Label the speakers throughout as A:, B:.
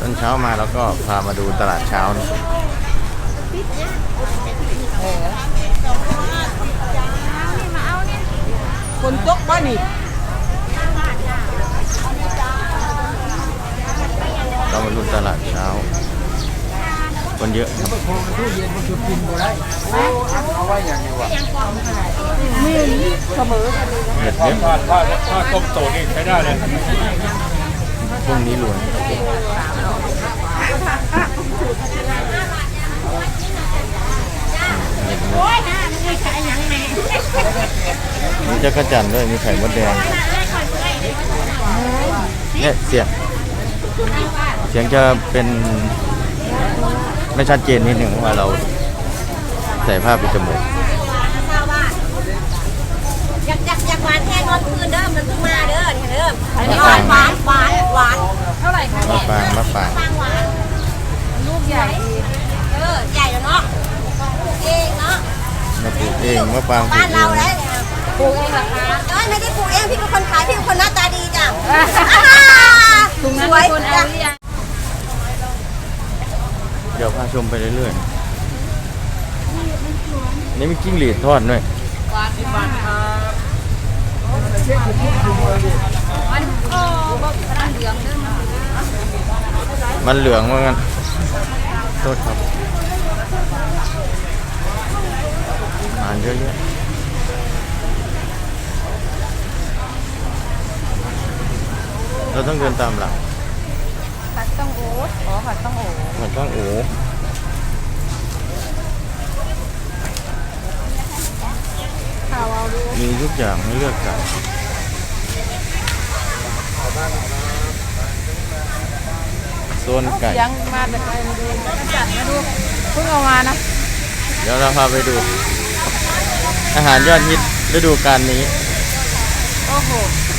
A: อนเช้ามาแล้วก็พามาดูตลาดเช้านะ
B: คนตกบ้านนี่
A: เรามาดูตลาดเช้าคนเยอะครับ
B: เสมอกันเลย
A: เด็ดเยอะ
C: ถ้าต้มโตนี่ใช้ได้เลย
A: พวกนี้รวยมีจักรจั่นด้วยมีไข่มดแดงเนี่ยเสียงจะเป็นไม่ชัดเจนนิดหนึ่งว่าเราใส่ผ้าปิดจมูก
D: อยากหวานแค่นอนคืนเด้อมันเพิ่งมาเด้อเด้อหวานเท่าไหร่คะ
A: มะปราง
D: หวานลูกใหญ่ใหญ่แล้วเนาะเองเนาะ
A: มาปลูกเองมะปราง
D: บ้านเราได้ปลูกเองเหรอคะไม่ได้ปลูกเองพี่เป็นคนขายพี่เป็นคนหน้าตาดีจ้ะสวยจ้ะ
A: เดี๋ยวพาชมไปเรื่อยๆนี่มีจิ้งหรีดทอดด้วยมันเหลืองว่างั้นโทษครับอ่านเยอะๆเราต้องเดินตามหลัง
B: ผัดต้องโอ๊ตผัดต้องโอ๊
A: มันต้องโอ้มีทุกอย่างให้เลือกสรรโซนไก่
B: ยังมาแต่ไกลมาดูจัดมาดูเพิ่งเอามานะ
A: เดี๋ยวเราพาไปดูอาหารยอดฮิตฤดูกาลนี้
B: โอ้โห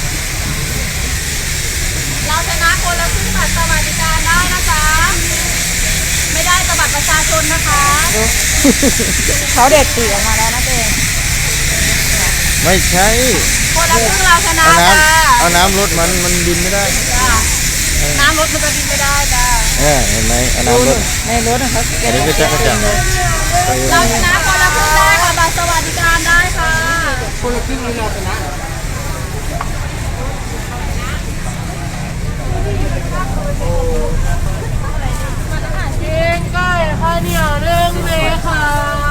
D: เราชนะคนละครึ่งบัตรสวัสดิการได้นะคะไม่ได้บัตรประชาชนนะคะ
B: เขาเด็ดปีกออกมาแล้วนะเจง
A: ไม่ใช่
D: คนละครึ่งเราชนะ
A: เอาน้ำรถมันบินไม่ได้
D: น้ำรถมันจะบินไม่ได้จ้า
A: เห็นไหมเอาน้ำรถ
B: ในรถนะครับ
A: อันนี้ก็จักรจั่น
D: เราชนะคนละครึ่งได้ค่ะบัตรสวัสดิการได้ค่ะ
B: คนละครึ่งนี้เราชนะเก่งใกล้ค่ะเนี่ยเรื่องเลยค่ะ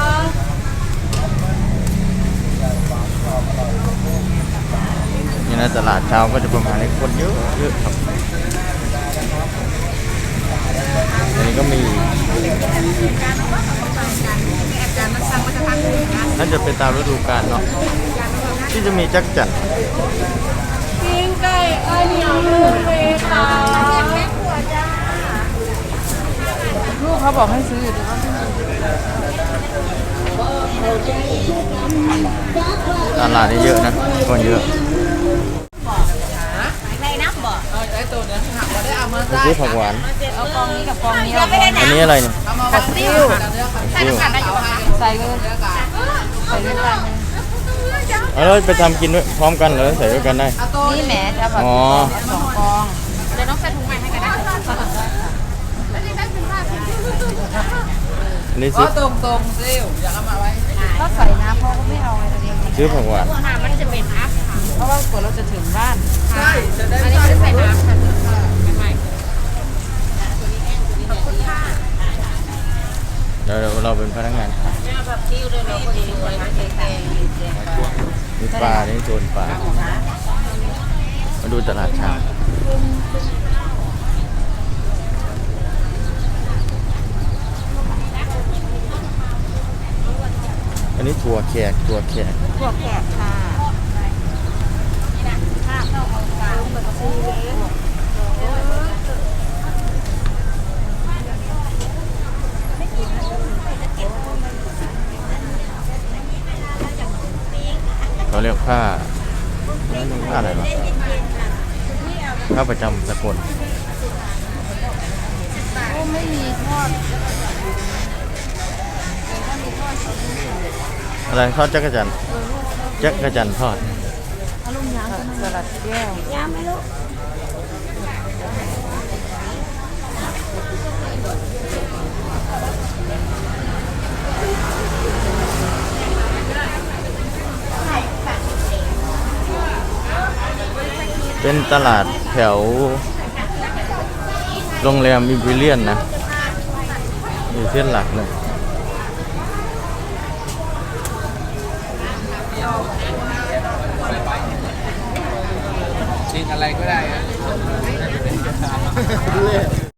A: นี่นะตลาดเช้าก็จะประมาณนี้คนเยอะครับอันนี้ก็มีน่าจะเป็นตามฤดูกาลเนาะที่จะมีจักรจั่น
B: ปิ้งไก่ข้าวเหนียวเรื่องเลยค่ะลูกเขาบอกให้ซื้อ
A: ตลาดนี้เยอะนะคนเยอะซื้อผักหวาน
B: เอากองนี้กับกองนี้
A: อันนี้อะไรเนี่ย
B: ผักติ้วใส่เลยใส่เลย
A: เราไปทำกินด้วยพร้อมกันหรือใส่ด้วยกันได้
B: นี่แหมจะแบบ2 กอง
D: เดี๋ยวน้องใส่ถุงใหม่ให้กันได้
A: อันนี้ซื้อ
B: ตรงซิวอยากเอามาไว้ถ้าใส่น้ำเขาก็ไม่เอาอะไรตัวเอง
A: ซื้อผักหวาน
D: มันจะเป็นอัพ
B: เพราะว่ากว่าเราจะถึงบ้าน
D: ใช่อันนี้จะใส่น้ำค่ะ
A: เดี๋ยวเราเป็นพนักงานขายมีปลาในโซนปลามาดูตลาดเช้าอันนี้ถั่วแขก
B: ค่ะ
A: เขาเรียกผ้าอะไรวะผ้าประจำสกล
B: ไม่มีทอด
A: อะไรทอดจักรจั่นทอด
B: สลัดแก้วยำไหมลูก
A: เป็นตลาดแถวโรงแรมอิมพีเรียนนะอยู่เส้นหลักเลย
C: กินอะไรก็ได้